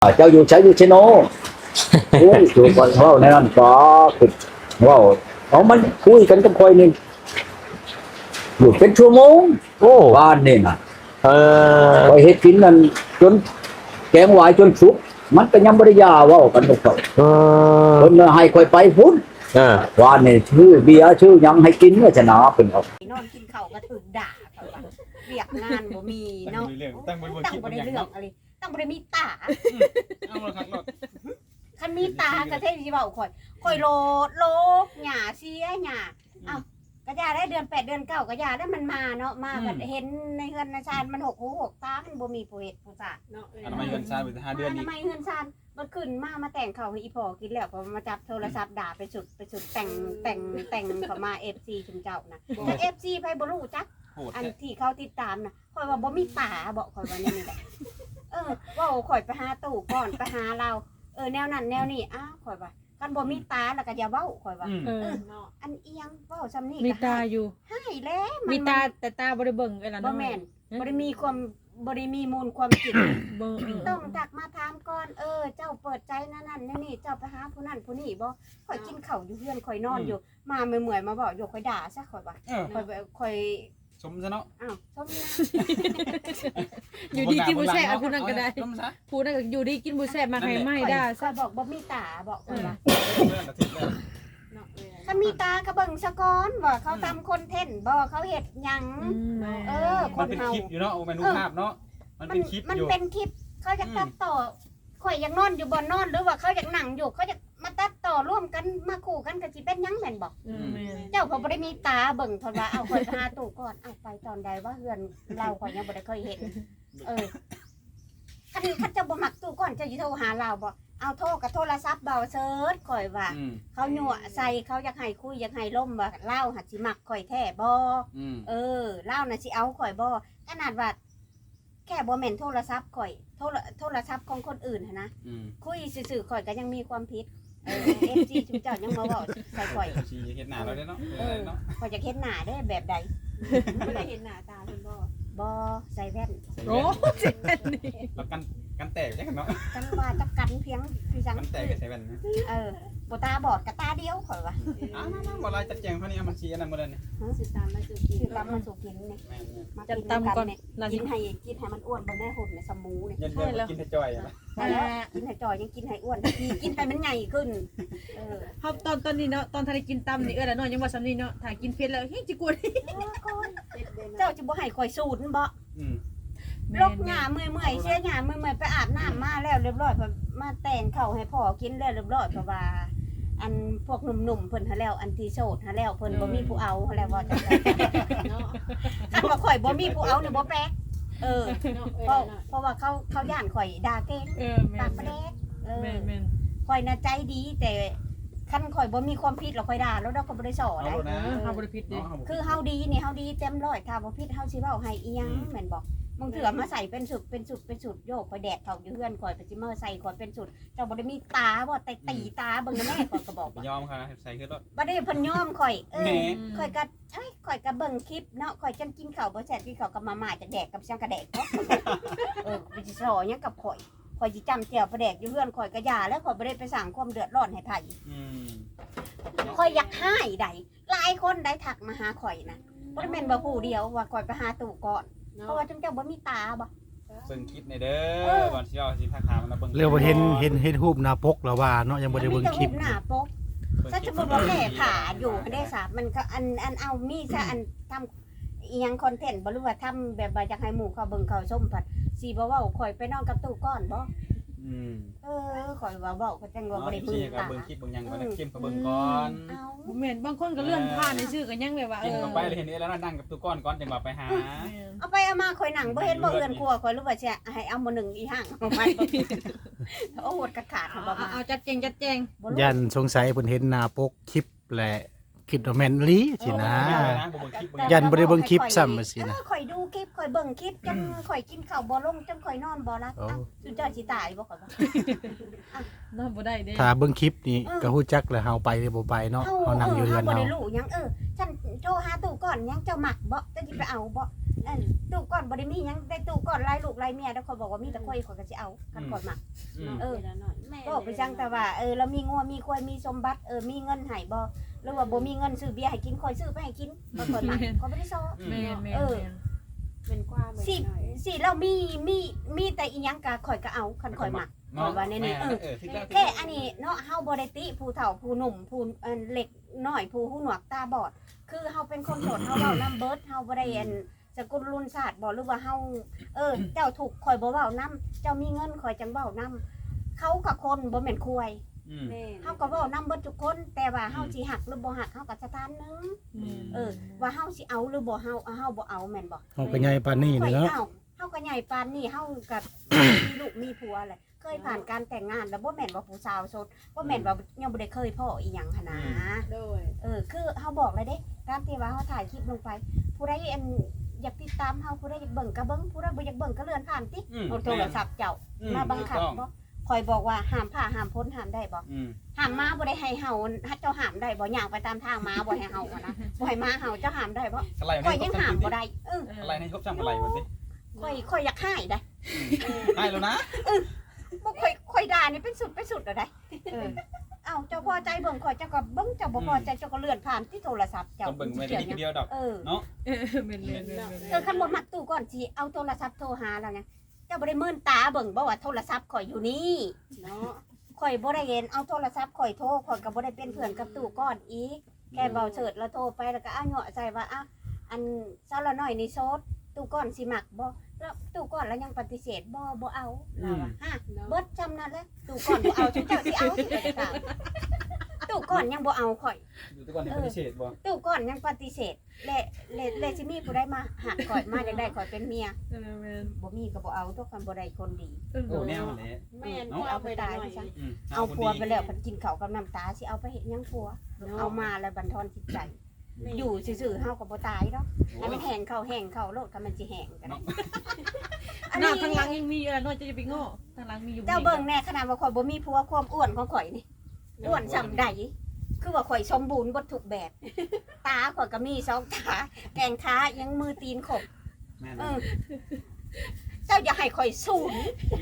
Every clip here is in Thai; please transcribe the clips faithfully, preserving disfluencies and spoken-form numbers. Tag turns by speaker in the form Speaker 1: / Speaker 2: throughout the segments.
Speaker 1: เจ้าอยู่ใช้อยู่เชโนโอ้ยอยู่ก่อนเว้าในนั้นก็คือเว้าเอามันคุยกันกับคอยนี่อยู่เป็นชั่วโมง
Speaker 2: โอ้
Speaker 1: บ้านนี่น่ะ
Speaker 2: เออ
Speaker 1: คอยเฮ็ดกินนั่นจนแกงหวายจนสุกมันก็ยังบ่ได้ยาเว้ากันกับเขา
Speaker 2: เออ
Speaker 1: เพิ่นน่ะให้คอยไปพุ่น
Speaker 2: เออ
Speaker 1: บ้านนี่ชื่อเบียร์ชื่อหยังให้กินเนี่ยชนะเพิ่นเอา
Speaker 3: นอนกินข้าวก็ถึกด่าเขาว่าเรียกงานบ่มีเนาะ
Speaker 4: ตั้งบ่ได้เรื่องตั้งบ่ได้
Speaker 3: ตั้งบ่ได้
Speaker 4: เรื่อง
Speaker 3: เรื่องอะไรตั้งบ่ได้มีตา
Speaker 4: เอาละครับเนาะ
Speaker 3: คันมีตาก็เท่สิเว้าข่อยข่อยโลดโลกหญ้าเสียหญ้าเอ้าก็ยาได้เดือนแปดเดือนเก้าก็ยาได้มันมาเนาะมาก็เห็นในเฮือนในชานมันหกหูหกตามันบ่มีผู้เฮ็ดผู้สาเนาะ
Speaker 4: อันนั้นมาเงินซ่าไปห้าเดือน
Speaker 3: ทำ
Speaker 4: อีก
Speaker 3: ไมเฮือนชานมันขึ้นมามาแต่งข้าวให้อีพ่อกินแล้วก็มาจับโทรศัพท์ด่าไปสุดไปสุดแต่งแต่งแต่งเข้ามา เอฟ ซี ชุมเจ้านะแต่ เอฟ ซี ไผบ่รู้จัก
Speaker 4: โหด
Speaker 3: อัน
Speaker 4: แท้
Speaker 3: ที่เขาติดตามนะข่อยว่าบ่มีตาบอกข่อยว่านี่นี่แหละเออเว่าข่อยไปหาตู่ก่อนไปหาเรา เออแนวนั้นแนวนี้อ้าวข่อยว่าคันบ่มีตาแล้วก็อย่าเว้าข่อยว่า
Speaker 4: อืม
Speaker 5: เออ
Speaker 3: อันเอียงเว้าซำนี้
Speaker 5: มี
Speaker 3: ก็
Speaker 5: ตาอยู่
Speaker 3: ให้แล้วน
Speaker 5: มีตาแต่ตาบ่ได้เบิ่งเอ้ล่ะ
Speaker 3: บ่
Speaker 5: เนาะ
Speaker 3: แม่นบ่ได้มีความบ่ได้มีมูลความคิด
Speaker 5: เบิ่งเออ
Speaker 3: ต้องทักมาถามก่อนเออ เจ้าเปิดใจนั่นนั่นนี่นี่เจ้าไปหาผู้นั้นผู้นี้บ่ข่อยกินข้าวอยู่เฮือนข่อยนอนอยู่ มาเมื่อยๆมาบอกอยู่ข่อยด่าซะข่อยว่า
Speaker 4: เออ
Speaker 3: ข่อยข่อย
Speaker 4: สมซะเนาะ
Speaker 3: อ้าวชมนะ
Speaker 5: อยู่ดีกินบ่แซ่บเอาผู้นั้นก็ได้
Speaker 4: สมซะ
Speaker 5: ผู้นั้นก็อยู่ดีกินบ่แซ่บมาให้ไม่
Speaker 3: ข่อย
Speaker 5: ได้
Speaker 3: ข่
Speaker 5: ซะ
Speaker 3: อยบอกบ่มีตาบอกข่อยว่า
Speaker 4: เรื่องกระถิ่นแล้ว
Speaker 3: ถ้ามีตากระเบิงสะก้อนว่าเขาทำคอนเทนต์บ่เขาเห็ดหยัง
Speaker 5: อืมแม่
Speaker 3: เออ
Speaker 4: มันเป็นคลิปอยู่เนาะโอ้แม่นรูปภาพเนาะมัน
Speaker 3: มัน
Speaker 4: เป็นคลิป
Speaker 3: มัน
Speaker 4: อยู่
Speaker 3: เป็นคลิปเขาจะตัดต่อข่อยอยากนอนอยู่บ่นอนหรือว่าเขาอยากนั่งอยู่เขาจะมาตัดต่อร่วมกันมาคู่กันก็สิเป็นหยังแม่นบอก
Speaker 5: เออแม่น
Speaker 3: เจ้าเขาบ่ได้มีตาเบิ่งเทนว่าเอาข่อยไปหาตู่ก่อนเอาไปตอนใดว่าเฮือนเราข่อยยังบ่ได้เคยเห็น เออคันคันเจะบ่มักตู่ก่อนเจะสิโทรหาเราบ่เอาโทรกับโทรศัพท์เบาเซิร์ชข่อยว่า
Speaker 4: อืม
Speaker 3: เขาหยั่วใส่เขาอยากให้คุยอยากให้ล่มว่าเล่าหัดสิมักข่อยแท้บ่
Speaker 4: อืม
Speaker 3: เออเล่าน่ะสิเอาข่อยบ่ขนาดว่าแค่บ่แม่นโทรศัพท์ข่อยโทรโทรศัพท์ของคนอื่นหั้นนะ
Speaker 4: อืม
Speaker 3: คุยซื่อๆข่อยก็ยังมีความผิดเออ เอฟ ซี จุ๊เจ้ายังมาเว้าใส่ข่อย
Speaker 4: ชีเฮ็ดหน้าเราได้เนาะเอ
Speaker 3: เอ
Speaker 4: อ
Speaker 3: อ
Speaker 4: เนาะ
Speaker 3: ข่อยจะเฮ็ดหน้าได้แบบใด
Speaker 6: ไม่ได้เห็นหน้าตาเพิ่นบ่
Speaker 3: บ่ใส่แว่น
Speaker 5: โอ้
Speaker 4: แล้วกันกันแตกจังเนาะ
Speaker 3: กันว่าจะกันเพียงคือจัง
Speaker 4: กันแตกก็ใส่แว่นนะ
Speaker 3: เออบ่ตาบอดกับตาเดียวข่อยว่า
Speaker 4: อ้าวนั่นๆบ่ลายจัดแจงเท่านี้มันสิอันนั้นบ่ได้นี่
Speaker 6: สิตามมาสู่กิน
Speaker 3: คือตามมาสู่กินนี่
Speaker 4: แม่น
Speaker 3: มา
Speaker 5: จะ
Speaker 3: กิน
Speaker 5: ตำก่อน
Speaker 3: เนี่ย
Speaker 5: น่า
Speaker 3: กิ
Speaker 5: สิ
Speaker 3: นให้กินให้มันอ้วนบ่แม่หุ่นเนี่ยสมูเนี่ย
Speaker 4: ๆเย็นๆบ่กินแต่จ้อยอะ
Speaker 3: ใช่แล้วกินให้จอยยังกินให้อ้วนทีกินให้มันใหญ่ขึ้น เออ
Speaker 5: เฮาตอนตอนนี้เนาะตอนทันได้กินตำนี่เอ้ล่ะเนาะยังว่าซำนี้เนาะถ้ากินเผ็ดแล้วเฮ้ยจิกวน
Speaker 3: เจ้าจะบ่ให้ข่อยสูตรบ่
Speaker 4: อืม
Speaker 3: ลกหญ้าเมื่อยๆเสียหญ้าเมื่อยๆไปอาบน้ำมาแล้วเรียบร้อยพอมาแต่งข้าวให้พ่อกินแล้วเรียบร้อยเพราะว่า อันพวกหนุ่มๆเพิ่นหาแล้วอันที่โสดหาแล้วเพิ่นบ่มีผู้เอาหาแล้วว่าจังได๋
Speaker 6: เนาะ
Speaker 3: คันว่าข่อยบ่มีผู้เอาเนี่ยบ่แปลกเออ
Speaker 6: เนาะ
Speaker 3: เพราะเพราะว่าเขาเขาย่านข่อยด่าเก่ง
Speaker 5: เออแม่
Speaker 3: ปาก
Speaker 5: น
Speaker 3: ประแดกเออ
Speaker 5: แม่นแม่น
Speaker 3: ข่อยน่ะใจดีแต่คันข่อยบ่มีความผิดแล้วข่อยด่าแล้วเราก็บ่ได้สอ
Speaker 4: เอา
Speaker 3: ได้
Speaker 4: โลดนะ
Speaker 5: เออเฮาบ่ได้ผิดเด้
Speaker 4: เนาะ
Speaker 3: คือเฮาดีนี่เฮาดีเต็มร้อยถ้าบ่ผิดเฮาสิเว้าให้อีหยังแม่นบ่มึงเถื่อมาใส่เป็นสุดเป็นสุดเป็นสุดโยกข่อยแดดเขาอยู่เฮือนข่อยไปสิมาใส่ข่อยเป็นสุดเจ้าบ่ได้มีตาบ่แต่ตีตาเบิ่งนะแม่ข่อยก็บอก
Speaker 4: บ่
Speaker 3: ว่าย
Speaker 4: อมค่ะใส่ขึ้นรถ
Speaker 3: บ่ได้เพิ่นยอมข่อยเอ
Speaker 4: แห
Speaker 3: อ
Speaker 4: ม
Speaker 3: ข่อยก็เอ้ยข่อยก็เบิ่งคลิปเนาะข่อยจังกินข้าวบ่แซ่บกินข้าวกับมาม่าจะแดกกับช่างกระแดกเนาะเออไปสิสอหยังกับข่อยข่อยสิจำแจ่วประแดกอยู่เฮือนข่อยก็ย่าแล้วข่อยบ่ได้ไปสร้างความเดือดร้อนให้ไผ
Speaker 4: อืม
Speaker 3: ข่อยอยากให้ใดหลายคนได้ทักมาหาข่อยนะบ่ได้แม่นว่าผู้เดียวว่าข่อยไปหาตู่ก่อนเพราะว่าจังเจ้าบ่มีตาบ่
Speaker 4: เบิ่งคลิปในเด้อก่อนสิเอาสิทักถามมันเบิ่ง
Speaker 7: เรียกว่าเห็นเห็นเห็นรูปหน้าปกแล้วว่าเนาะยังบ่ได้เบิ่งคลิป
Speaker 3: มันมีแต่รูปหน้าปก ถ้าสมมติว่าแม่ผ่าอยู่ได้สามันก็อันอันเอามีซะอันทำอีหยังคอนเทนต์บ่รู้ว่าทำแบบว่าอยากให้หมู่เขาเบิ่งเขาชมผัดสิบ่เว้าข่อยไปนอนกับตู้ก้อนบ่
Speaker 4: อืม
Speaker 3: เออข่อยว่าเว้าก็จังว่าบ่ได้
Speaker 4: เนาะ
Speaker 3: พึ่ง
Speaker 4: ก็
Speaker 3: ตา
Speaker 4: เบิ่งคลิปเบิ่งหยังก่อนนะคลิปก็เบิ่งก่อน
Speaker 3: เอา
Speaker 5: บ่แม่นบางคนก็เลื่อนผ่านในชื่อก็ยังแบบว่าเอ
Speaker 4: กิน
Speaker 5: อ
Speaker 4: เข้าไปเลยเห็นนี่แล้วนั่งกับตู้ก้อนก่อนจังหวะไปหา
Speaker 3: เอาไปเอามาข่อยหนังบ่เห็นบ่เอือนครัวข่อยรู้ว่าสิให้เอามื้อหนึงอีห่างเอาไปโอ้โหดกระขาด
Speaker 5: เอา
Speaker 3: บ่
Speaker 5: เอา
Speaker 3: มา
Speaker 5: เอาจัดแจงจัดแจง
Speaker 3: บ่รู้
Speaker 7: ยันสงสัยเพิ่นเห็นหน้าปกคลิปแหละคิดว่าแม่นอีหลีสินะ ยันบ่ได้เบิ่งคลิปซ้ำว่าสินะ
Speaker 3: เออข่อยดูคลิปข่อยเบิ่งคลิปจังข่อยกินข้าวบ่ลงจังข่อยนอนบ่หลับ
Speaker 7: โอ้
Speaker 3: เอ้าสุดยอดสิตายบ่ข่อยว่า
Speaker 5: นอนบ่ได้เด้
Speaker 7: ถ้าเบิ่งคลิปนี่ก็ฮู้จักแหล้วเฮาไปหรือบ่ไปเนาะเฮานั่งอยู่เรือน
Speaker 3: บ่
Speaker 7: เฮา
Speaker 3: ได้รู้หยังเออฉันโทรหาตู่ก่อนหยังเจ้ามักบ่จะสิไปเอาบ่อันตู้ก่อนบ่ได้มีหยังได้ตู้ก่อนหลายลูกหลายเมียแล้วเขาบอกว่ามีแต่ข่อยข่อยก็สิเอาคันก่อนมัก
Speaker 4: อืม
Speaker 3: เออ
Speaker 6: เวลาหน่อยแม่
Speaker 3: ก็ไปจังแต่ว่าเออเรามีงัวมีควายมีสมบัติเออมีเงินให้บ่หรือว่าบ่มีเงินซื้อเบียร์ให้กินข่อยซื้อไปให้กินบ่ก่อนมักก็บ่ได้ซ้อ
Speaker 5: แม่นแม่น
Speaker 3: เออ
Speaker 5: แม่น
Speaker 6: เป็นกว้าง
Speaker 3: สิ
Speaker 6: หน่อย
Speaker 3: สิเรามีมีมีแต่อีหยังก็ข่อยก็เอาคันข่อยมัก
Speaker 4: เนาะ
Speaker 3: ว่าแน่ๆเออ
Speaker 4: เออถึงแล้ว
Speaker 3: แค่อันนี้เนาะเฮาบ่ได้ติผู้เฒ่าผู้หนุ่มผู้อันเล็กน้อยผู้หูหนวกตาบอด คือเฮาเป็นคนโสดเฮาเว้านำเบิดเฮาบ่ได้อันสกุลรุ่นศาสตร์บ่หรือว่าเฮาเออ เจ้าถูกข่อยบ่เว้านํเจ้ามีเงินข่อยจังเว้านํเขากับคนบ่แม่นคุย
Speaker 4: อืม
Speaker 6: แม่
Speaker 3: เฮาก็เว้านำเบิดทุกคน แต่ว่าเฮาสิหักหรือบ่หักเฮาก็สถานหนึงเออ ว่าเฮาสิเอาหรือบ่เฮาเฮาบ่เอาแม่นบ่
Speaker 7: เฮาก็ใหญ่ปานนี้
Speaker 3: ข่อย
Speaker 7: เนาะ
Speaker 3: เอาเฮาก็ใหญ่ปานนี้เฮาก็มีลูกมีผัวแหละเคยผ่านการแต่งงานแล้วบ่แม่นว่าผู้สาวโสดบ่แม่นว่ายังบ่ได้เคยพ่ออีหยังหันนะ
Speaker 6: โดย
Speaker 3: เออคือเฮาบอกเลยเด้การที่ว่าเฮาถ่ายคลิปลงไป ผู้ใดอันอยากติดตามเฮาผู้ใดอยากเบิ่งก็เบิ่งผู้ใดบ่อยากเบิ่งก็เลื่อนผ่านติ
Speaker 4: อืม
Speaker 3: เอาโทรศัพท์เจ้า
Speaker 4: อื
Speaker 3: มาบังคับ
Speaker 4: ถูกต้อง
Speaker 3: บ่คอยบอกว่าห้ามผ่าห้ามพ้นห้ามได้บ่
Speaker 4: อืม
Speaker 3: ห้ามมาบ่ได้ให้เฮาถ้าเจ้าห้ามได้บ่ย่างไปตามทางมาบ่ให้เฮาอะนะบ่ให้มาเฮาเจ้าห้ามได้บ่
Speaker 4: อะไร
Speaker 3: คอย
Speaker 4: ใน
Speaker 3: ยังห้ามบ่ได้เออ
Speaker 4: อะไรในครบช่างอะไรวะสิ
Speaker 3: คอยคอยอยากให้ได้
Speaker 4: ได้แล้วนะ
Speaker 3: บ่คอยคอยด่านี่เป็นสุดเป็นสุดแล้วได้เออเอ้าเจ้าพอใจเบิ่งคอยเจ้าก็เบิ่งเจ้าบ่พอใจเจ้าก็เลื่อนผ่านที่โทรศัพท์เจ้า
Speaker 4: ต้องเบิ่งไม่ได้ทีเดียวดอก
Speaker 3: เออ
Speaker 5: เออแม่นแม่นแม่นแม่น
Speaker 3: เออคันบ่มักตู้ก่อนสิเอาโทรศัพท์โทรหาแล้วไงเจ้าบ่ได้มื่นตาเบิ่งบ่ว่าโทรศัพท์ข่อยอยู่นี่เนาะข่อยบ่ได้เห็นเอาโทรศัพท์ข่อยโทรข่อยก็บ่ได้เป็นเพื่อนกับตู้ก่อนอีกแค่เบาเฉิดแล้วโทรไปแล้วก็อ้าเหาะใส่ว่าอ้าอันเช้าละน้อยนี่โซดตู้ก่อนสิมักบ่แล้วตู้ก่อนแล้วยังปฏิเสธบ่บ่เอาเราอะฮะเบิดจำนั่นแหละตู้ก่อนบ่เอาจุเจ้าสิเอาสิไปตามตู้ก่อนยังบ่เอาข่อย
Speaker 4: อยู่ทุกคนที่ปฏิเสธบ่
Speaker 3: ตู้ก่อนยังปฏิเสธและและและสิมีผู้ใดมาหักข่อยมาจังได้ข่อยเป็นเมีย
Speaker 5: เออแม่น
Speaker 3: บ่มีก็บ่เอาทุกคนบ่ได้คนดี
Speaker 5: เออ
Speaker 4: โอ้แนวแหละ
Speaker 6: แม่นกว้างไปหน่อย
Speaker 4: อืม
Speaker 3: เอาผัวไปแล้วเพิ่นกินข้าวกับน้ำตาสิเอาไปเฮ็ดหยังผัว เอามาแล้วบันทอนจิตใจ อยู่ซื่อๆเฮาก็บ่ตายดอกให้มันแห้งเข้าแห้งเข้าโลดก็มันสิแห้งกันอัน
Speaker 5: หน้า
Speaker 3: นี้
Speaker 5: ทางหลังยังมีอะไรน้อยจะไปโง่ทางหลังมีอยู่
Speaker 3: เจ้าเบิ่งแน่ขนาดว่าข่อยบ่มีผัวความอ้วนของข่อยนี่อ้วนส่ำใดคือว่าข่อยสมบูรณ์บ่ทุกแบบ ตาข่อยก็มีสองตาแกงขายังมือตีนขบ
Speaker 4: แม่น
Speaker 3: เออเจ้าอย่าให้ข่อยสูน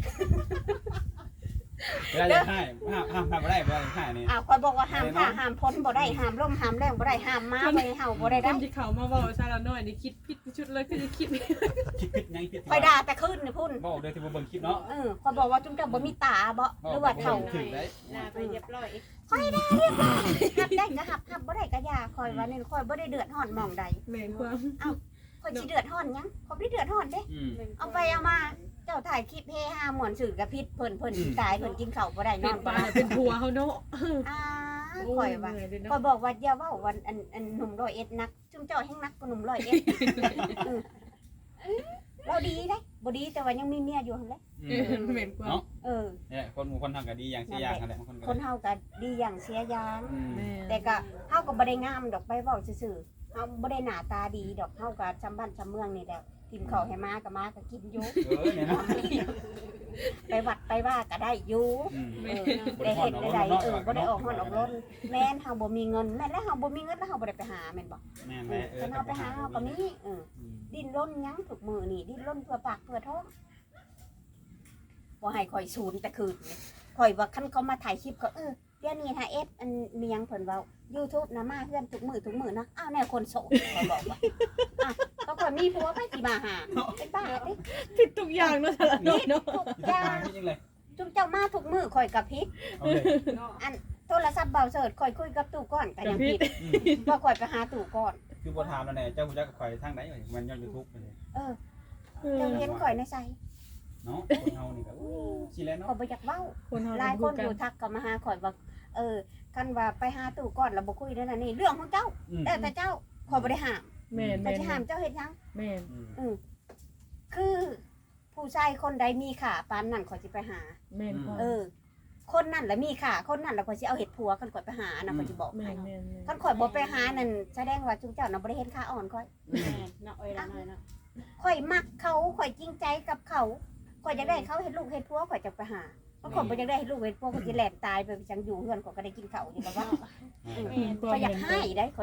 Speaker 4: เวลาจะให้ห้ามห้ามห้ามบ่ได้เวลาจะให้นี่
Speaker 3: อ้าวข่อยบอกว่าห้ามผ้าห้ามพ้นบ่ได้ห้ามล่มห้ามแรงบ่ได้ห้ามม้าบ่ได้เห่าบ่ได้
Speaker 5: ค
Speaker 3: ได้
Speaker 5: นที่เขามาบอกชาละน้อยนี่คิดผิดชุดเลยคือคิด
Speaker 4: คิดผิดยังผิด
Speaker 3: ข่อยด่าแต่คืนนี่พุ่น
Speaker 4: บ่เดี๋ยวที่บ่เบิ่งคลิปเนาะ
Speaker 3: เออข่อยบอกว่าจุ๊มเจ้าบ่มีตาบ่หรือว่าเฒ่า
Speaker 4: ถึงได้
Speaker 6: หน้าไปเรียบร้อย
Speaker 3: ข่อยได้เรียบร้อยหับได้ก็หับหับบ่ได้ก็อย่าข่อยว่านี่ข่อยบ่ได้เดือดร้อนหม่องใด
Speaker 5: แม่นความ
Speaker 3: ข่อยสิเดือดร้อนหยังข่อยบ่ได้เดือดร้อนเด้
Speaker 4: อืม
Speaker 3: เอาไปเอามาเจ้าถ่ายคลิปเฮฮาม่วนสื่อกับพิษเพิ่นเพิ่นสิตายเพิ่นกินข้าวบ่ได้น
Speaker 5: เป็
Speaker 3: อน น
Speaker 5: ป
Speaker 3: บ่
Speaker 5: ลา
Speaker 3: ได้
Speaker 5: เป็นผัวเขาเนาะ
Speaker 3: อ่าข่อยว่าข่อยบอกว่าอย่าเว้าวันอันอันหนุ่มร้อยเอ็ดนักจุ่มเจ้าแห่งนักกว่าหนุ่มร้อยเอ็ดเออเราดีได้บ่ดีแต่ว่ายังมีเมียอยู่หั่นแหละ
Speaker 4: อืม
Speaker 5: แม่นความ
Speaker 4: เนาะ
Speaker 3: เออ
Speaker 4: เนี่ยคนหมู่คนทำก็ดีอย่างสิอย่างนั่นแหละคนก็
Speaker 3: คนเฮาก็ดีอย่างเสียอย่าง
Speaker 4: อืม
Speaker 5: แม่
Speaker 3: แต่ก็เฮาก็บ่ได้งามดอกไปเว้าซื่อๆเฮาบ่ได้หน้าตาดีดอกเฮาก็จำบ้านจำเมืองนี่แหละกินข้าวให้มาก็มาก็กินอยู่
Speaker 4: เออเนี่ยเนาะ
Speaker 3: ไปวัดไปว่าก็ได้อยู่
Speaker 4: อืม
Speaker 3: เออได้เฮ็ดได้ได้เออบ่ได้ออกฮ้อนออกร้นแม่นเฮาบ่มีเงินแม่นแล้วเฮาบ่มีเงินแล้วเฮาบ่ได้ไปหาแม่นบ่
Speaker 4: แม่น
Speaker 3: เอ
Speaker 4: แม่
Speaker 3: อ
Speaker 4: เออ
Speaker 3: คันเฮาไปหาเฮาก็มีเออ
Speaker 4: อืม
Speaker 3: ดิ้นรนหยังทุกมื้อนี่ดิ้นรนเพื่อปากเพื่อท้องบ่ให้ข่อยสูนแต่คืนนี่ข่อยว่าคันเขามาถ่ายคลิปก็เออเดี๋ยวนี้ถ้าเอสอันมีหยังเพิ่นเว้า YouTube นะมาเฮือนทุกมื้อทุกมื้อนะอ้าวแนวคนโสดข่อยบอกว่าอ่ะก็ข่อยมีผัวไปสิมาหาเป็นบ้าติ
Speaker 5: ผิดทุกอย่างเนาะชาละน้อยเนาะ
Speaker 3: ทุก
Speaker 4: อยู่
Speaker 3: อ
Speaker 4: ที่
Speaker 3: ย่า
Speaker 4: ทาง งจริงๆเลย
Speaker 3: จุมเจ้ามาทุกมื้อข่อยก็ผิด
Speaker 4: เอาเลย
Speaker 3: โทรศัพท์เบาเสิร์ชข่อยคุยกับตู่ก่อนก็ยังผิด
Speaker 4: อืม
Speaker 3: ว่าข่อยไปหาตู่ก่อน
Speaker 4: คือบ่ถามแล้วแน่เจ้าฮู้จักกับข่อยทางไหนมันย้อน YouTube ไปเลย
Speaker 3: เออเจ้าเห็นข่อยในใจ
Speaker 4: เนาะคนเฮานี่ก็อู้สิแล้ว
Speaker 3: ข่อ
Speaker 4: เนาะ
Speaker 3: ยบ่อยากเว้า
Speaker 5: คนเฮา
Speaker 3: หลายคนอยู่ทักก็มาหาข่อยว่าเออคันว่าไปหาตู่ก่อนแล้วบ่คุยได้นั่นนี่เรื่องของเจ้า
Speaker 4: อืม
Speaker 3: แต่แต่เจ้าข่อยบ่ได้ห้าม
Speaker 5: แม่น
Speaker 3: แต่
Speaker 5: แม่น
Speaker 3: สิห้ามเจ้าเฮ็ดหยัง
Speaker 5: แม่น
Speaker 4: อืม
Speaker 3: อือคือผู้ชายคนใดมีค่าปานนั้นข่อยสิไปหา
Speaker 5: แม่นความ
Speaker 3: เออ คนนั้นแหละมีค่าคนนั้นแล้วข่อยสิเอาเฮ็ดผัวคันข่อยไปหานะข่อยสิบอก
Speaker 5: แม่
Speaker 3: ให้
Speaker 5: นแม่นแม่น
Speaker 3: คันข่อยบ่ไปหานั่นแสดงว่าจุมเจ้าน่ะบ่ได้เห็นค่าอ่อนข่อย
Speaker 6: แม่เนาะเอ้ยละหน่อยเนาะ
Speaker 3: ข่อยมักเขาข่อยจริงใจกับเขาข่อยอยากได้เขาเฮ็ดลูกเฮ็ดผัวข่อยจะไปหาเพราะข่อยบ่อยากได้เฮ็ดลูกเฮ็ดผัวข่อยสิแล่นตายไปจังอยู่เฮือนข่อยก็ได้กินข้าวอยู่แล้วว่า
Speaker 6: แม่
Speaker 3: ข่อยอยากให้ได้ข่อย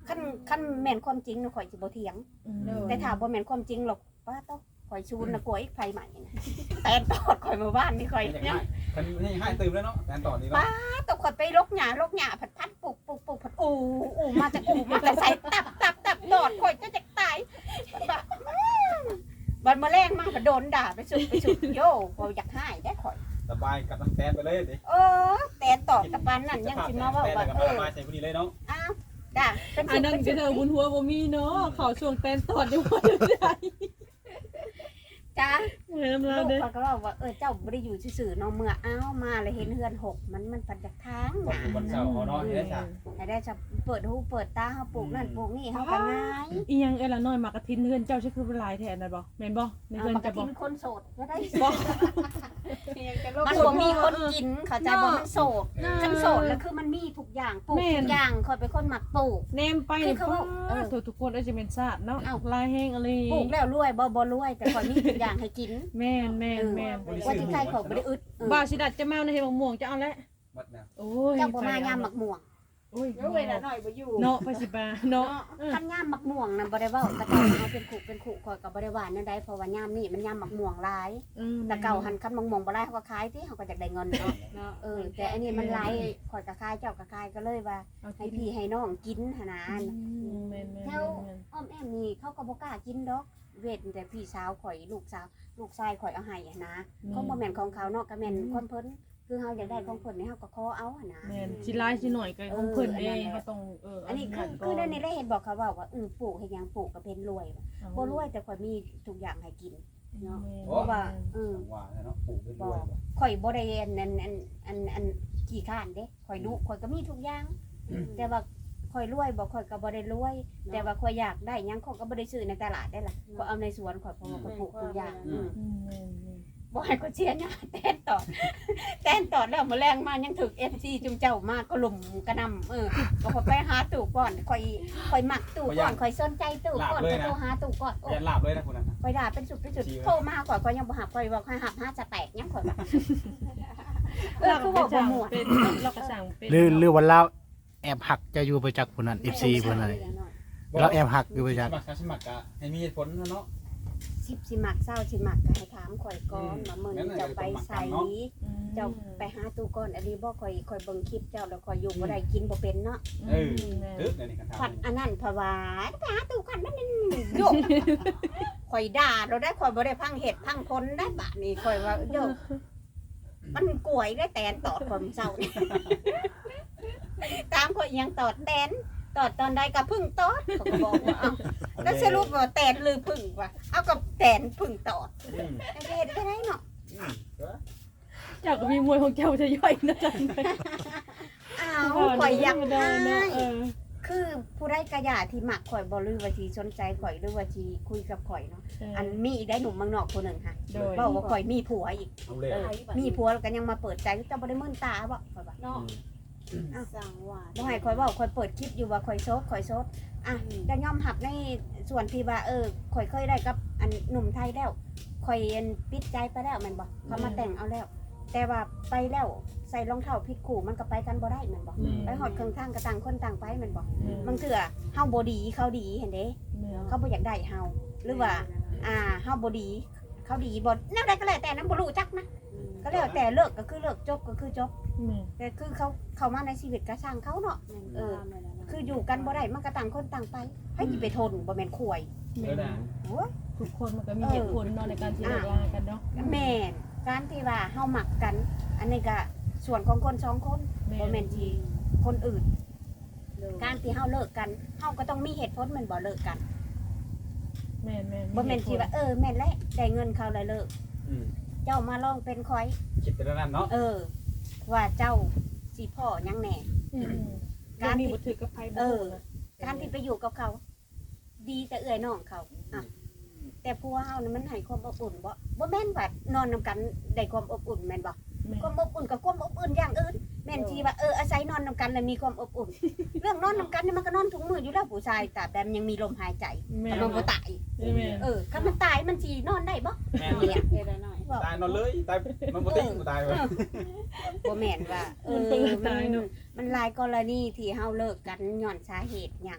Speaker 3: คันคันแม่นความจริงน่ะข่อยสิบ่เถียง
Speaker 5: อืม
Speaker 3: แต่ถ้าบ่แม่นความจริงหรอกป้าต้องข่อยชูนน่ะกลัวอีกไผใหม่นะแต่ตอดข่อยมาบ้านนี่ข่อย
Speaker 4: อย่าง
Speaker 3: ยั
Speaker 4: ง่าง ยคันนี่ให้ตื่มแล้วเนาะแตนต่อนี้เนาะ
Speaker 3: ตกข่อยไปลกหญ้าลกหญ้าผัดพัดปลูกปลูกปลูกผัดอูอูมาจากอูมาแต่ใส่ตับตับตับตอดข่อยจะจะตายบัดบัดมาแรงมากก็โดนด่าไปสุดไปสุดโย่ข่อยอยากหายได้ข่อย
Speaker 4: สบายกับน้ำแตนไปเลยดิ
Speaker 3: เออแต่ตอดกับปานนั่นยังสิมาว่าว่า
Speaker 4: แตนกับ
Speaker 3: เอ
Speaker 4: ส
Speaker 3: อ
Speaker 4: ายใส่พอดีเลยเนาะ
Speaker 3: อ้าวด่าเป็น
Speaker 5: อันนั้นก็เธอบุญหัวบ่มีเนาะเขาช่วงแตนตอดได้บ่ได้
Speaker 3: จ้า
Speaker 5: เออเรา
Speaker 3: ลูก
Speaker 5: เด้อ
Speaker 3: เขาก็บอกว่าเออเจ้าบ่ได้อยู่ซื่อๆเนาะเมื่ออ้าวมาเลยเห็นเฮือนหกมันมันปันจากทาง
Speaker 4: วัน
Speaker 3: น่ะ
Speaker 4: วันเสาร์เขาเนาะที่ได้จ้ะ
Speaker 3: ให้ได้จะเปิดหูเปิดตาเฮาปลูกนั่นปลูกนี่เฮาก็ง่าย
Speaker 5: อีหยังเอ้ยละน้อยมากระทินเฮือนเจ้าใช่คือเป็นลายแทนน่ะบ่แม่นบ่ใน
Speaker 3: เอา
Speaker 5: เฮือน
Speaker 3: มาก
Speaker 5: จะ
Speaker 3: ระ
Speaker 5: บ่
Speaker 3: ทินคนโสดก็ได้
Speaker 5: บ่
Speaker 6: ยังจะลบ
Speaker 3: มันบ่มีคนกินเขาใจบ่มันโสดคันโสดแล้วคือมันมีทุกอย่างปลูกทุกอย่างคอยเป็นคนมักปลูก
Speaker 5: แนมไป
Speaker 3: คือเขาว่าเออ
Speaker 5: ทุกคนอาจจะเป็นชาติเนาะ
Speaker 3: เอ้า
Speaker 5: ลายแห้งอะไร
Speaker 3: ปลูกแล้วรวยบ่บ่รวยแต่คอยมีทุกอย่างให้กิน
Speaker 5: แม่นแม่นแม่น
Speaker 3: ว่าที่ใครเขาบ่ได้อึดเออ
Speaker 5: บ่าสิดัดจะมาในเฮ็ดมะม่วงจะเอาแล้ว
Speaker 4: วัดนะ
Speaker 5: โอ้ย
Speaker 3: เจ้าบ่มายามมักม่วง
Speaker 5: โอ้ย
Speaker 6: เดี๋ยวเวลาหน่อยบ่อยู่
Speaker 5: เนาะไปสิบาเนาะ
Speaker 3: คันยามมักม่วงน่ะบ่ได้เว้าแต่เก่าเอาเป็นขู่เป็นขู่คอยก็บ่ได้ว่าแนวใดเพราะว่ายามนี้มันยามมักม่วงหลาย แต่เก่าหันคันมักม่วงบ่หลายเขาก็ขายติเขาก็อยากได้เงินเนาะ
Speaker 6: เนาะ
Speaker 3: เออแต่อันนี้มันหลายคอยก็ขายเจ้าก็ขายก็เลยว่าให้พี่ให้น้องกินหั่นน่ะ
Speaker 5: แม่นแม่น
Speaker 3: แถวอ้อมแอมนี่เขาก็บ่กล้ากินดอกเวทแต่พี่สาวข่อยลูกสาวลูกชายข่อยเอาให้อะนะเขาบ่แม่นของเขาเนาะก็แม่นของเพิ่นคือเฮาอยากได้ของเพิ่นนี่เฮาก็ขอเอาอะนะ
Speaker 5: แม่นสิลายสิหน่อยก็ของเพิ่นเองเขาต้องเออ
Speaker 3: อันนี้คือคือในนี้ได้เห็นบอกเขาว่าว่าเออปลูกให้หยังปลูกก็เป็นรวยบ่รวยแต่ข่อยมีทุกอย่างให้กินเนาะเพราะว่าเออ
Speaker 4: ว่าเนาะปลูกเป็นด้วย
Speaker 3: ข่อยบ่ได้อันอันอันอันอันขี้ข้านเด้ข่อยดุข่อยก็มีทุกอย่าง แต่ว่าข่อยรวยบ่ข่อยก็บ่ได้รวย แต่ว่าข่อยอยากได้หยังข่อยก็บ่ได้ซื้อในตลาดได้ล่ะข่อยเอาในสวนข่อยเพราะว่าข่อยปลูกทุกอย่างอืม บ่ให้ก็เชียร์นะแตนตอดแตนตอดแล้วมื้อแรงมายังถึก เอฟ ซี จุมเจ้ามาก็ลุมกระนำเออก็พอไปหาตู่ก่อนข่อยข่อยมักตู่ก่อนข่อยสนใจตู่ก่อนก็โทรหาตู่ก่อนโอ้
Speaker 4: ยันหลับเลยนะคุณน่ะ
Speaker 3: ข่อยด่าเป็นสุดเป็นสุดโทรมาข่อยข่อยยังบ่หับข่อยว่าข่อยหับหาจะแตกยังข่อยว่าเออคือบอกบ่หมด
Speaker 5: เป็นเราก็สั่งเป็น
Speaker 7: หรือหรือว่าเราแอบหักจะอยู่ไปจากคนนั้น เอฟ ซี คนนั้นเราแอบหักอยู่ไปจาก
Speaker 4: สมัครสมัครอะให้มีผลเนาะ
Speaker 3: สิบสิมักเศร้าสิมักก็ให้ถามข่อยก่อนมามื้อนี้เจ้าไปไสเจ้าไปหาตู่ก่อนอันนี้บ่ข่อยข่อยเบิ่งคลิปเจ้าแล้วข่อยอยู่บ่ได้กินบ่เป็นเนาะ
Speaker 4: เออตึ๊บเดี๋ยวนี้กัน
Speaker 3: ผัด
Speaker 4: ทำ
Speaker 3: อันนั้นเพราะว่าไปหาตู่ก่อนมันนั่นโยกข่อยด่าเราได้ข่อยบ่ได้พังเห็ดพังพ้นได้บะนี่ข่อยว่าโยกมันกล้วยได้แตนตอดความเศร้านี่ตามข่อยยังตอดแตนตอดตอนใดก็พึ่งตอดเขาก็บอกว่าเอาแล้วสรุปว่าแตนหรือพึ่งวะเอากับแตนพึ่งตอดจะเห็นได้ไรเนาะ
Speaker 5: เจ้าก็มีมวยของเจ้าจะย่อยนะจังเลย
Speaker 3: อ้าวข่อยอยาก
Speaker 5: ได้
Speaker 3: ได้
Speaker 5: เนาะเออ
Speaker 3: คือผู้ได้กระยาที่หมักข่อยบ่หรือว่าที่สนใจข่อยหรือว่าที่คุยกับข่อยเนาะอันมีอีกได้หนุ่มเมืองนอกคนหนึ่งค่ะ
Speaker 5: โดย
Speaker 3: บอกว่าข่อยมีผัวอีก
Speaker 4: เอาเลย
Speaker 3: เออมีผัวแล้วก็ยังมาเปิดใจเจ้าบ่ได้มื่นตาบ่ข่อยว่า
Speaker 6: เนาะสั่งว่า
Speaker 3: บ่ให้ข่อยเว้าข่อยเปิดคลิปอยู่ว่าข่อยโซดข่อยโซดอ่ะจะยอมรับในส่วนที่ว่าเออข่อยเคยได้กับอันหนุ่มไทยแล้วข่อยอันปิดใจไปแล้วแม่นบ่เขามาแต่งเอาแล้ว แต่ว่าไปแล้วใส่รองเท้าผิดคู่มันก็ไปกันบ่ได้แม่นบ่ไปฮอดเครื่องทางก็ต่างคนต่างไปแม่นบ่บางเทื่อเฮาบ่ดีเขาดีเห็นเด้ เขาบ่อยากได้เฮาหรือว่า อ่าเฮาบ่ดี เขาดีบ่แนวใดก็แล้วแต่นั้นบ่รู้จักนะ ก็แล้วแต่เลิกก็คือเลิกจบก็คือจบแต่คือเขาเข้ามาในชีวิตก็ช่างเขาเนาะเออ คืออยู่กันบ่ได้มันก็ต่างคนต่างไปให้สิไปทนบ่แม่นข่วย
Speaker 4: เออนะ
Speaker 3: โอ้ย
Speaker 5: ทุกคนมันก็มีเหตุผลเนาะในการที่เลิกลากันเนาะ
Speaker 3: แม่นการที่ว่าเฮามักกัน อันนี้ก็ส่วนของคนสองคนบ่แม่นที่คนอื่น การที่เฮาเลิกกันเฮาก็ต้องมีเหตุผลแม่นบ่เลิกกัน
Speaker 5: แม่นแม่น
Speaker 3: บ่แม่นที่ว่าเออแม่นแล้วได้เงินเขาแล้วเลิก
Speaker 4: อืม
Speaker 3: เจ้ามาลองเป็นคอย
Speaker 4: คิดไปแล้วนั่นเนาะ
Speaker 3: เออ ว่าเจ้าสิพ่อยังแหน่
Speaker 5: การมีบุตรกับไพ่
Speaker 3: เออ การที่ไปอยู่กับเขา ดีแต่เอื้อยน้องเขาอ่ะแต่ผัวเฮานี่มันให้ความอบอุ่นบ่บ่แม่นว่านอนนำกันได้ความอบอุ่นแม่นบ่ความอบอุ่นกับความอบอุ่นอย่างอื่นแม่นที่ว่าเอออาศัยนอนนำกันแล้วมีความอบอุ่น เรื่องนอนนำกันนี่มันก็นอนทุกมื้ออยู่แล้วผู้ชายแต่แต่มันยังมีลมหายใจแต่มันบ่ตาย เออถ้ามันตายมันสินอนได้บ่
Speaker 4: แม่
Speaker 3: เนี่ย
Speaker 6: เฮ็ดหน่อย
Speaker 4: ตายนอนเลยตายมันบ่ติ้งตายเลย
Speaker 3: บ่แม่นว่าเออมันมันหลายกรณีที่เฮาเลิกกันย้อนสาเหตุหยัง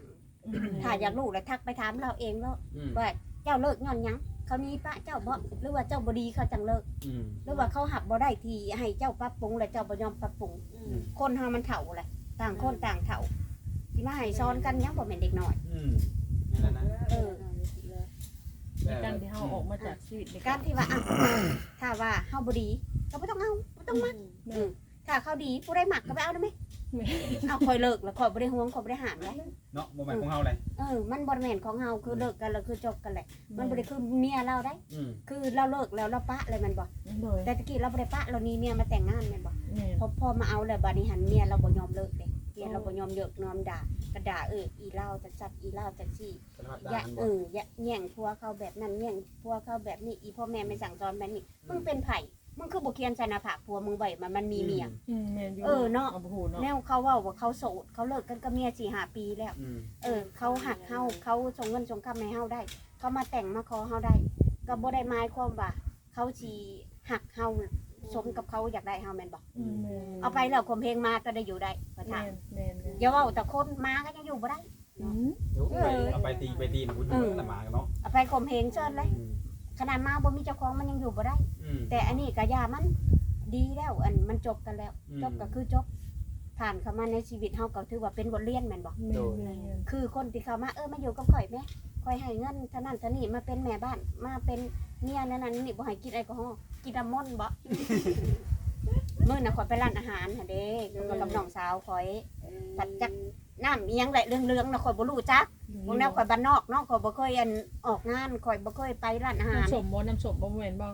Speaker 3: ถ้าอยากรู้แล้วทักไปถามเราเองเนาะ
Speaker 4: อืม
Speaker 3: ว่าเจ้าเลิกย้อนหยังเขามีปะเจ้าบ่หรือว่าเจ้าบ่ดีเขาจังเลิก
Speaker 4: อืม
Speaker 3: หรือว่าเขาหักบ่ได้ทีให้เจ้าปรับปรุงแล้วเจ้าบ่ยอมปรับปรุง คนเฮามันเฒ่าแหละต่างคนต่างเฒ่าที่มาให้ซ้อนกันยังบ่แม่นเด็กน้อย
Speaker 4: อืมนั่นแหละนะ
Speaker 3: เออ
Speaker 5: ในการที่เฮาออกมาจากชีวิตใน
Speaker 3: กา
Speaker 5: การ ร
Speaker 3: ที่ว่าอ่ะถ้าว่าเฮาบ่ดีก็บ่ต้องเอาบ่ต้องมักอืมถ้าเขาดีผู้ใดมักก็ไปเอาได้ไหมเอาคอยเลิกแล้วคอยบ่ได้ห่วงคอยบ่ได้หามเลย
Speaker 4: เนาะบ่แม่นของเฮาเลย
Speaker 3: เออมันบ่แม่นของเฮาคือเลิกกันแล้วคือจบกันแหละมันบ่ได้คือเมียเราได้
Speaker 4: อืม
Speaker 3: คือเราเลิกแล้วเราปะเลยมันบ่
Speaker 5: โดย
Speaker 3: แต่ตะกี้เราบ่ได้ปะเรานี่เมียมาแต่งงานแม่นบ่
Speaker 5: แม่น
Speaker 3: พอพอมาเอาแล้วบัดนี้หันเมียเราบ่ยอมเลิกเด้เมียเราบ่ยอมเลิกยอมด่าก็ด่าเอออีเล่าจัดจัดอีเล่าจัดซี่
Speaker 4: สารพัด
Speaker 3: อย่า
Speaker 4: ด่าน
Speaker 3: เอ
Speaker 4: บ่
Speaker 3: ออย่าแย่งผัวเขาแบบนั้นแย่งผัวเขาแบบนี้อีพ่อแม่ไม่สั่งสอนแบบนี้มึงเป็นไผมึงคือบ่เคียนใส่หน้าผากผัวมึงไว้มันมันมีเมีย
Speaker 5: อืมแม่นอยู่
Speaker 3: เออเนาะ
Speaker 5: เอาบ่ฮู้เนาะ
Speaker 3: แนวเขาเว้าว่าเขาโสดเขาเลิกกันกับเมียสี่ห้าปีแล้ว
Speaker 4: อืม
Speaker 3: เออเขาหักเฮาเขาส่งเงินส่งคำให้เฮาได้ เขามาแต่งมาขอเฮาได้ ก็บ่ได้หมายความว่าเขาสิหักเฮาสมกับเขาอยากได้เฮาแม่นบ่
Speaker 5: อืมแม่น
Speaker 3: เอาไปแล้วข่มเพลงมาก็ได้อยู่ได้ประ
Speaker 5: แม่
Speaker 3: ทาน
Speaker 5: นแม่นแม่น
Speaker 3: อย่าเว้าแต่คนมาก็ยังอยู่บ่ได้
Speaker 5: อืม
Speaker 4: เดี๋ยวไปเอาไปตีไปตีนะคุณอยู่นั่นน่ะหมากันเนาะ
Speaker 3: เอาไปข่มเพลงเชิญเลย
Speaker 4: อืม
Speaker 3: ขนาดมาบ่มีเจ้าของมันยังอยู่บ่ได้
Speaker 4: อืม
Speaker 3: แต่อันนี้ก็ยามันดีแล้วอันมันจบกันแล้ว
Speaker 4: อืม
Speaker 3: จบก็คือจบผ่านเข้ามาในชีวิตเฮาก็ถือว่าเป็นบทเรียนแม่นบ่
Speaker 5: แม่นแม่นแม่น
Speaker 3: คือคนที่เข้ามาเออมาอยู่กับข่อยแม่ข่อยให้เงินเท่านั้นเท่านี้มาเป็นแม่บ้านมาเป็นเมียนั่นนั่นนี่บ่ให้กินแอลกอฮอล์กินน้ำมนต์บ่ มื้อน่ะข่อยไปร้านอาหารหั่นเด้ข่อยกับน้องสาวข่อยผัดจักน้ำอีหยังแหละเรื่องๆน่ะข่อยบ่รู้จักพวกแนวข่อยบ้านนอกเนาะข่อยบ่เคยอันออกงานข่อยบ่เคยไปร้านอาหาร
Speaker 5: น้ำส้มบ่น้ำส้มบ่แม่นบ่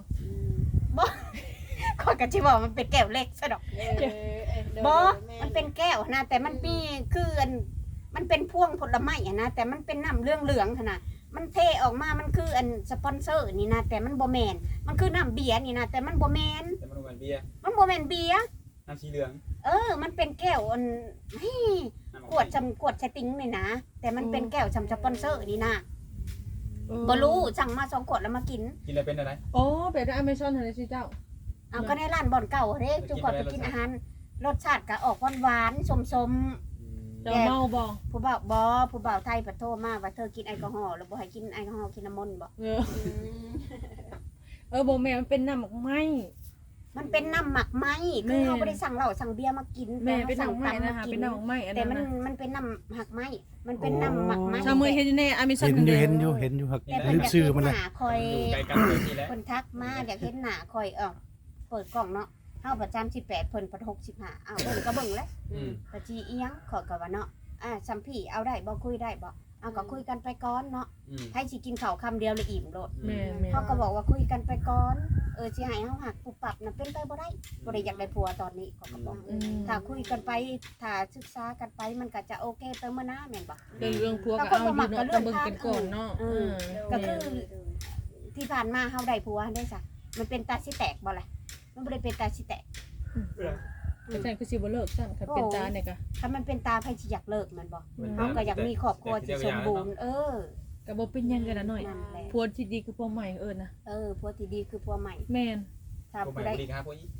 Speaker 3: ข่อยก็สิบอกมันเป็นแก้วเล็กซะดอก บอมันเป็นแก้วนะแต่มันมีคืออันมันเป็นพวงผลไม้อะนะแต่มันเป็นน้ำเรื่องเหลืองๆขนาดมันเทออกมามันคืออันสปอนเซอร์นี่นะแต่มันบ่แมนมันคือน้ำเบียร์นี่นะแต่มันบ่แมน
Speaker 4: แต่มันบ่แม่นเบียร์
Speaker 3: มันบ่แมนเบียร์
Speaker 4: น้ำสีเหลือง
Speaker 3: เออ มันเป็นแก้วอันเฮ้ย
Speaker 4: น้ำ
Speaker 3: ขวดจำขวดสติงนี่นะแต่มันเป็นแก้วจำสปอนเซอร์นี่นะบ่รู้สั่งมาสองขวดแล้วมากิน
Speaker 4: กินแล้วเป็นอะไร
Speaker 5: อ๋อแบบใน Amazon หั่นเลยสิเจ้า
Speaker 3: เอาก็ในร้านบ่อนเก่าเด้จุกขวดไปกินอาหารรสชาติก็ออกหวานๆสม
Speaker 4: อืม
Speaker 5: เจ้าเมาบ่
Speaker 3: ๆผู้บ่าวบ่ผู้บ่าวไทยปะโทรมาว่าเธอกินแอลกอฮอล์แล้วบ่ให้กินแอลกอฮอล์กินน้ำมนต์บ่
Speaker 5: เออเออบ่แม่นมันเป็นน้ำหมักไหม้
Speaker 3: มันเป็นน้ำหมักไหม
Speaker 5: แม่
Speaker 3: คือเขาไม่ได้สั่งเหล้าสั่งเบียร์มากิน
Speaker 5: แม่
Speaker 3: แต่
Speaker 5: เป็น
Speaker 3: สั่
Speaker 5: น้ำ
Speaker 3: ง
Speaker 5: ไหม้
Speaker 3: ตำ
Speaker 5: นะ
Speaker 3: มา
Speaker 5: คะ
Speaker 3: กิ
Speaker 5: เป็น
Speaker 3: น
Speaker 5: น้ำไหม้อัน
Speaker 3: แต่
Speaker 5: นั้น
Speaker 3: มัน
Speaker 5: นะ
Speaker 3: มันเป็นน้ำหักไหมมันเป็นน้ำหมักไหม
Speaker 5: ชาวเมืองเห็นอยู่ใน Amazon
Speaker 7: เห็นอยู่เห็นอยู่เห็นอยู่ครับ
Speaker 3: แต่เพิ่น
Speaker 7: ลื
Speaker 3: อ
Speaker 7: ม
Speaker 3: ยาก
Speaker 7: ชื่อ
Speaker 3: เห็น
Speaker 7: มัน
Speaker 3: ห
Speaker 7: เลย
Speaker 3: น้าคอย
Speaker 4: อยู่ใกล้กันเลยนี่แหละ
Speaker 3: คนทักมาอยากเห็นหน้าคอยเออเปิดกล่องเนาะเฮาประจำสิบแปดเพิ่นประหกสิบห้าอ้าวเบิ่งก็เบิ่งแล้ว
Speaker 4: อืม
Speaker 3: ปะจีอีหยังขอยก็ว่าเนาะอ่าซัมพี่เอาได้บ่คุยได้บ่เอาก็คุยกันไปก่อนเนาะ
Speaker 4: อืม
Speaker 3: ให้สิกินข้าวคำเดียวเลยอิ่มโลด
Speaker 5: แม่แม่
Speaker 3: เขาก็บอกว่าคุยกันไปก่อนเออสิให้เฮาหักปุบปับน่ะเป็นไปบ่ได้บ่ได้อยากได้ผัวตอนนี้เขาก็บอก
Speaker 5: อืม
Speaker 3: ถ้าคุยกันไปถ้าศึกษากันไปมันก็จะโอเคไปเมื่อหน้าแม่นบ่
Speaker 5: เรื่องเรื่องพวกก็เอาอยู่เนาะต้องเบิ่งกันก่อนเนาะ
Speaker 3: เออ ก็คือที่ผ่านมาเฮาได้ผัวได้ซะมันเป็นตาสิแตกบ่ล่ะมันบ่ได้เป็นตาสิแตก
Speaker 5: อาจารย์คือสิบ่เลิกซั่นค่ะเป็นตาเนี่ยก็
Speaker 3: ถ้ามันเป็นตาไผสิอยากเลิกแมันบ่
Speaker 5: อืม
Speaker 3: เฮาก็อยากมีครอบครัวที่สมบูรณ์เออ
Speaker 5: ก็บ่เป็นหยังกันนะหน่อย
Speaker 3: นั่นแหละ
Speaker 5: ผัวที่ดีคือผัวใหม่เอิ้นนะ
Speaker 3: เออผัวที่ดีคือผัวใหม่
Speaker 5: แม่น
Speaker 3: ถ้า
Speaker 4: ผม
Speaker 3: ผู้
Speaker 4: ไป
Speaker 3: ใด
Speaker 4: ดีครับพวกนี้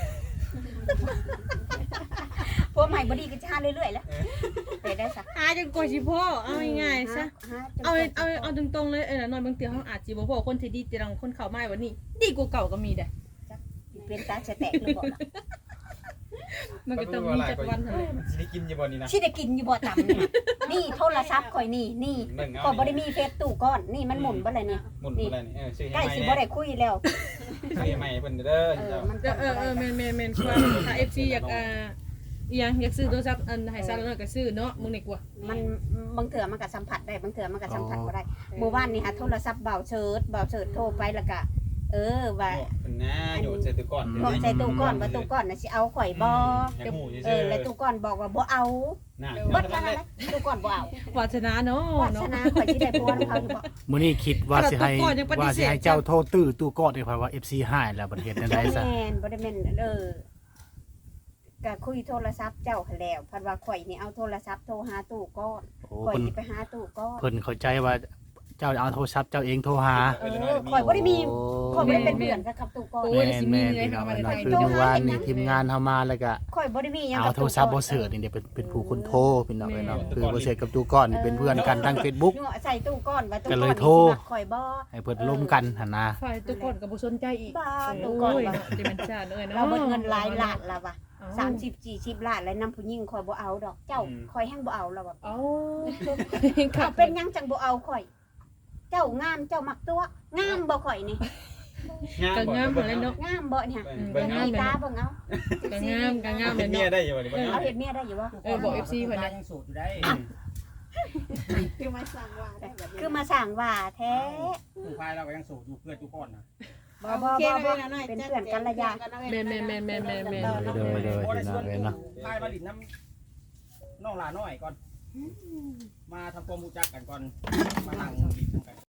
Speaker 3: ผัวใหม่บ่ดีก็จะหาเรื่อยๆแหล้วไปได้ซะ
Speaker 5: หาจนกว่าสิพ่อเอาง่ายๆซะ
Speaker 3: หาจน
Speaker 5: เอา
Speaker 3: กว่
Speaker 5: เอาเอาตรงๆเลยเออหน่อยบางทีเฮาอาจสิบ่พอคนที่ดีแต่ลังคนเข้ามาวันนี้ ดีกว่าเก่าก็มีเด้
Speaker 3: เป็นตาสิแตกหรือบ่ล่ะ
Speaker 5: มันก็ต้องมีจักวันนั่นแหละ
Speaker 4: สิได้กินอยู่บ่นี่นะ
Speaker 3: สิได้กินอยู่บ่ตำนี่นี่โทรศัพท์ข่อยนี่นี่
Speaker 4: หนึ่งเอา
Speaker 3: ก็บ่ได้มีเฟซตู้ก้อนนี่มันหมุนบ่เลยนี่
Speaker 4: หมุนอะไรนี่เออซื้อ
Speaker 3: ใกล้
Speaker 4: ให้
Speaker 3: สิ
Speaker 4: ใหม่
Speaker 3: บ่ได้คุยแล้ว
Speaker 4: ซื้อให้ใหม่เพิ่นเด้อ
Speaker 3: เออ
Speaker 4: เจ้า
Speaker 3: มัน
Speaker 5: เออเออเออแม่นแม่นแม่นคือว่าถ้า เอฟ ซี อยากอ่าอีหยังอยากซื้อโทรศัพท์อันให้ซะแล้วหน่อยก็ซื้อเนาะมึงนี่กว่า
Speaker 3: มันบางเถื่อมันก็สัมผัสได้บางเถื่อมันก็สัมผัสบ่ได้เมื่อวานนี่หาโทรศัพท์เบาเชิดเบาเชิดโทรไปแล้วก็เออว่า
Speaker 4: เพิ่นนะโยนใส่ตู้ก่อน
Speaker 3: บอกใส่ตู้ก้อนว่าตู้ก้อนน่ะสิเอาข่อยบ่
Speaker 4: ยังหู
Speaker 3: เออแล้วตู้ก้อนบอกว่าบ่เอา
Speaker 4: น่ะ
Speaker 3: เบิดกันนั่นแหละตู้ก้อนบ่เอา
Speaker 5: วาสนาเนาะ
Speaker 3: วาส
Speaker 5: เนาะ
Speaker 3: นาข่อยสิได้ผัวของเขาอยู่บ่
Speaker 7: มื้อนี้คิดว่าสิให้
Speaker 5: แต่ตู้ก่อนยังปฏิเสธ
Speaker 7: ว่าสิให้เจ้าโทรตื้อตู้กอดให้ข่อยว่า เอฟ ซี หายแล้วบัดเฮ็ดจังได๋ซะ
Speaker 3: แม่นบ่ได้แม่นเออก็คุยโทรศัพท์เจ้าหั้นแล้วเพันว่าข่อยนี่เอาโทรศัพท์โทรหาตู้ก้อน
Speaker 7: โอ้
Speaker 3: ข่อย
Speaker 7: เพิ่น
Speaker 3: สิไปหาตู้ก้อน
Speaker 7: เพิ่นเข้าใจว่าเจ้าเอาโทรศัพท์เจ้าเองโทรหา
Speaker 3: เออข่อยบ่ได้มี
Speaker 7: โอ้
Speaker 3: ข่อยบ่ได้เป็นเพื่อนกับกับตู้ก่อน
Speaker 5: โอ้
Speaker 7: แม่
Speaker 5: ย
Speaker 7: น
Speaker 5: สิมี
Speaker 7: แม่น
Speaker 5: เลย
Speaker 7: พี่น้อง
Speaker 5: ทำอะไร
Speaker 7: เนาะ
Speaker 5: ไทย
Speaker 7: คืออยู่ว่านี่ทีมงานเฮามาแล้วก็
Speaker 3: ข่อยบ่ได้มีหยัง
Speaker 7: เอา
Speaker 3: กับ
Speaker 7: โทรศัพท์บ่เสิร์ชนี่เดี๋ยวเป็นเป็นผู้คนโทรพี่น้องเนาะคือบ่เสิร์ชกับตู้ก้อนนี่เป็นเพื่อนกันทาง Facebook
Speaker 3: เนาะใส่ตู้ก่อนว่าตู้
Speaker 7: ก็
Speaker 3: ก่อน
Speaker 7: เลย
Speaker 3: นี่
Speaker 7: โทร
Speaker 3: สิมักข่อยบ่
Speaker 7: ให้เพิ่นร่วมกันหั่นนะ
Speaker 5: ฝ่ายตัวก่อนก็บ่สนใจอีก
Speaker 3: บ้า
Speaker 5: โอ้
Speaker 3: ตู้ก่อน
Speaker 5: ย
Speaker 3: ว่า
Speaker 5: จะเป็นชาติเอ้ยเนาะ
Speaker 3: เราเบิดเงินหลายล้านแล้วว่ะ
Speaker 5: เอ้
Speaker 3: สามสิบ สี่สิบล้านแล้วนำผู้หญิงข่อยบ่เอาดอกเจ้าข่อยแฮงบ่เอาแล้วว่ะ
Speaker 5: เอ้า
Speaker 3: เขาเป็นหยังจังบ่เอาข่อย เจ้างามเจ้ามักตัวงามบ่ข่อยนี่
Speaker 5: ก็งามเหมือนเนาะ
Speaker 3: งามบ่เนี่ย
Speaker 4: เบิ่ง
Speaker 3: มี
Speaker 4: งาม
Speaker 3: ตาเบิ่งเอา
Speaker 5: ก็งามก็งามเล
Speaker 4: เป็
Speaker 5: ย
Speaker 4: นเมีย
Speaker 5: เนาะ
Speaker 4: ได้อยู่บ่นี่บ่
Speaker 3: เอาเฮ็ดเมียได้อยู่บ่
Speaker 5: เออบอก เอฟ ซี เพิ่นนะ
Speaker 8: ยังสูตรอยู่ได้
Speaker 6: คือมาสั่งว่าได้แบบนี้
Speaker 3: คือมาสั่งว่าแท้
Speaker 8: ผู้พายเราก็ยังสูตรอยู่เพื่อนทุกคนนะ
Speaker 3: บ่บ่บ่บ่เป็นเพื่อนกันระยะ
Speaker 5: แม่นแม่นแม่นแม่นแม่นแม่น
Speaker 7: โดยโดย
Speaker 8: โอ้ได้
Speaker 7: พี่น้
Speaker 8: ส่
Speaker 7: อ
Speaker 8: ว
Speaker 7: ง
Speaker 8: น
Speaker 7: เอ้ยเนาะ
Speaker 8: พายมาดินน้ำน้องหลาน้อยก่อน มาทำความรู้จักกันก่อน มานั่งดินกัน